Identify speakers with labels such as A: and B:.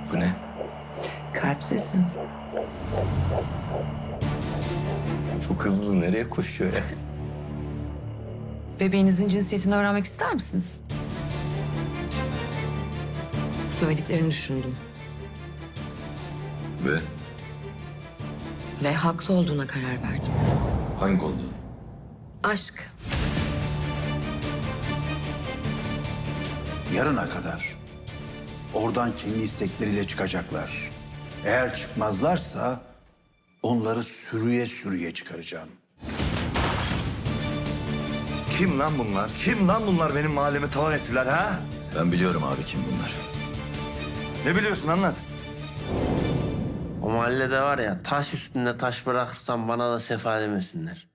A: Bu ne?
B: Kalp sesi.
A: Çok hızlı nereye koşuyor ya?
B: Bebeğinizin cinsiyetini öğrenmek ister misiniz? Söylediklerini düşündüm
A: Ve
B: ve haklı olduğuna karar verdim.
A: hangi konuda?
B: Aşk.
C: Yarına kadar oradan kendi istekleriyle çıkacaklar. Eğer çıkmazlarsa onları sürüye sürüye çıkaracağım.
D: Kim lan bunlar? Kim lan bunlar benim mahallemi talan ettiler ha?
A: Ben biliyorum abi kim bunlar.
D: Ne biliyorsun anlat.
E: O mahallede var ya taş üstünde taş bırakırsam bana da sefa demesinler.